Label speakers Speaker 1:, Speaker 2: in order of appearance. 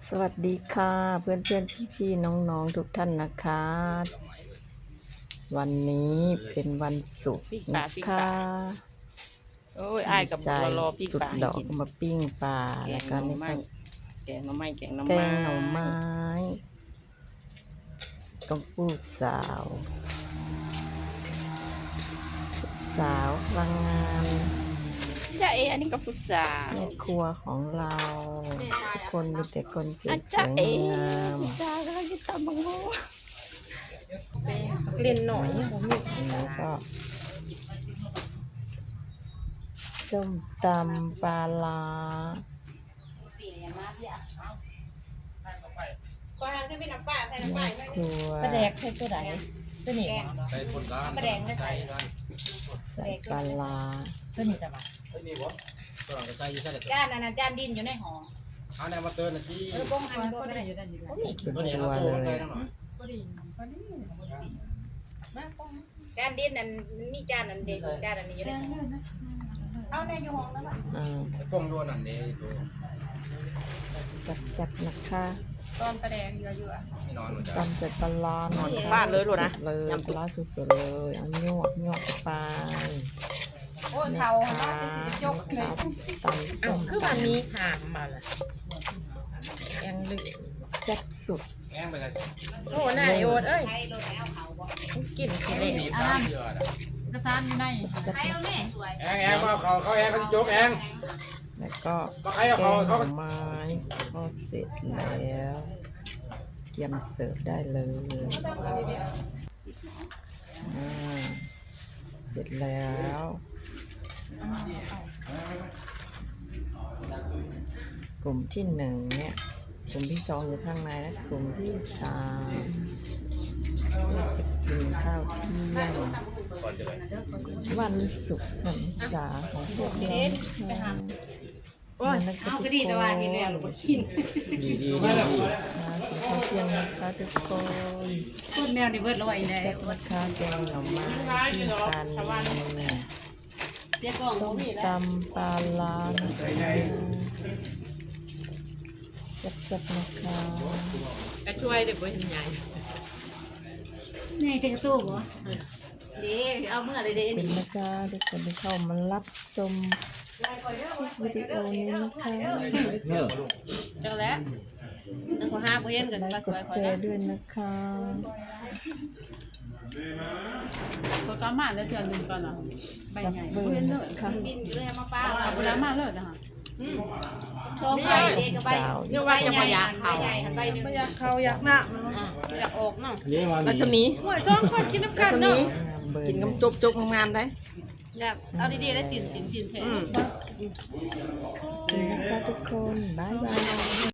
Speaker 1: สวัสดีค่ะเพื่อนเพื่อนพี่ๆน้องๆทุกท่านนะคะวันนี้เป็นวันศุกร์นะคะ
Speaker 2: โอ้ยอ้ายกับบัวรอปิ้ง
Speaker 1: สุด
Speaker 2: ปลาให้
Speaker 1: ดอก
Speaker 2: กิน
Speaker 1: ก็มาปิ้งปลาแล้วก็นี่ก็
Speaker 2: แกงหน่อไม้แกงหน่อ
Speaker 1: แก
Speaker 2: ไม้
Speaker 1: งหน่อไม้ต้มปูสาวพลังงาน
Speaker 2: จ้าอันนี้ก็พุทรา
Speaker 1: แม่ครัวของเราทุกคนมีแต่คนสวย
Speaker 2: จ้า
Speaker 1: ๆงาม
Speaker 2: พุทราก็จะตำบังโง่เล่นหน่อยผมมี
Speaker 1: แล้วก็ส้มตำปลาร้า
Speaker 3: ก็ให้พี่น้ำปลาใส่น้ำปลา
Speaker 1: แม่ครัว
Speaker 2: ปลาแดกใส่ตัวไหนตัวนี้
Speaker 4: ใส่คนร้านใส่ร้าน
Speaker 1: ใส่ปลาร้า
Speaker 2: ตัวนี้จะมา
Speaker 4: นี่วะตัวหลังก็ใส่อยู่ใส่แต่
Speaker 3: จานนั้นจานดินอยู่ในหอ
Speaker 4: เอาแนวมาเตือนนะที่
Speaker 3: บ้งอันก็ได้อยู่ด้านนี้
Speaker 1: เป็น
Speaker 4: ตัวนี้
Speaker 1: ตั
Speaker 4: เรา
Speaker 1: ว
Speaker 4: โต
Speaker 1: เล
Speaker 4: ใส่
Speaker 1: ย
Speaker 4: หน่อย
Speaker 3: จานดินนั้นมีจานนั้นเด็กจานอันนี้อยู่ในหอเอาในอยู่ห้องแล้วป่ะ
Speaker 4: กล้องด้วยนั่นนี่ตัว
Speaker 1: แซ่บๆนะคะ
Speaker 3: ตอนประแดงเยอะ
Speaker 4: ไม่นอนหนูจ้ะ
Speaker 1: ตำใส่ปลาร้าหน่อย
Speaker 2: ฟาดเลยลูกนะ
Speaker 1: เลยปลาร้าสุดๆเลยเอายวกไป
Speaker 3: โอ้เทาเนาะจะสิจกเลย
Speaker 1: ตำส้ม
Speaker 2: คือวันนี้ถามมาละยังลึก
Speaker 1: แซ่บสุด
Speaker 4: แง่งไปกัน
Speaker 2: โซ่หน้าโยดเอ้ย
Speaker 3: ใช้รถแล้วเขาบอก
Speaker 2: กินขี้เละ
Speaker 4: บีบซ้ำเยอะ
Speaker 3: กระซานอยู่ใน
Speaker 1: แซ่บ
Speaker 3: ใช้
Speaker 1: ๆ
Speaker 3: เอา
Speaker 1: นะ
Speaker 3: แม่สวย
Speaker 4: แง่งแง่งเขาแง่งเขาจะจบแง่ง
Speaker 1: แล้วก็
Speaker 4: มาใคร
Speaker 1: แก
Speaker 4: เอา
Speaker 1: งห
Speaker 4: เขา
Speaker 1: น่อไม้ก็เสร็จแล้วเตรียมเสิร์ฟได้เลยเสร็จแล้วกลุ่มที่หนึ่งเนี่ยกลุ่มที่สองอยู่ข้างในและกลุ่มที่สามก็จะกินข้าวเที่ยงวันศุกร์หันษาของพวกเรานะคะ
Speaker 3: โอ้ยเอาก็ดีแต่ว่ากินแล้วเรากิน
Speaker 4: ดี
Speaker 1: มากินข้าวเที่ยงนะคะทุกคน
Speaker 3: ต้นแมวนี่เบิดลอยแล้
Speaker 1: แซ่
Speaker 3: ว
Speaker 1: บนะคะแกงหน่อไม้ที่กัน
Speaker 3: เจ๊กอง
Speaker 1: ส้ม
Speaker 3: มีแล้ว
Speaker 1: ตำปลาร้านะคะแซ่บๆนะคะ
Speaker 2: ก็ช่วยเด็กไว้ทำไง
Speaker 3: นี่จะตู้บ่เด้เอาเมื่อไรเด้
Speaker 1: เป็นนะคะทุกคนที่เข้ามารับชมวิดีโอนี้นะคะ
Speaker 2: จังแล้วนั่งขอห้าเย็นกัน
Speaker 1: ไล
Speaker 2: ก็
Speaker 1: ค์กดแชร์ด้วยนะคะ
Speaker 5: ก็กมาแล้วเดือนหนึ่งก่อนเหรอไป
Speaker 1: สับ
Speaker 5: ไง
Speaker 1: เบอ
Speaker 5: เพื่อน
Speaker 1: ร์
Speaker 5: เล
Speaker 1: นะ
Speaker 5: ย
Speaker 1: คะ
Speaker 3: บินเลยมาป้า
Speaker 5: เอาไปแล้วมาเลยนะคะ
Speaker 3: สองใบเด็กกับใบ
Speaker 2: เดี๋ยวไว้จะมาอยากเขา
Speaker 3: ใหญ่หันใบหนึ่ง
Speaker 2: อยากเขาอยากหน้าอยากออกเนาะ
Speaker 4: นี่มา
Speaker 2: รัศมีห่วยซ้อนคนกินน้ำกันเนาะ
Speaker 1: เบอร์
Speaker 2: กิน
Speaker 1: ห
Speaker 2: กับ
Speaker 1: ง
Speaker 2: จุบงามได้อยากเอาดีๆได้ติ่นแทน
Speaker 1: นะคะทุกคนบ๊ายบาย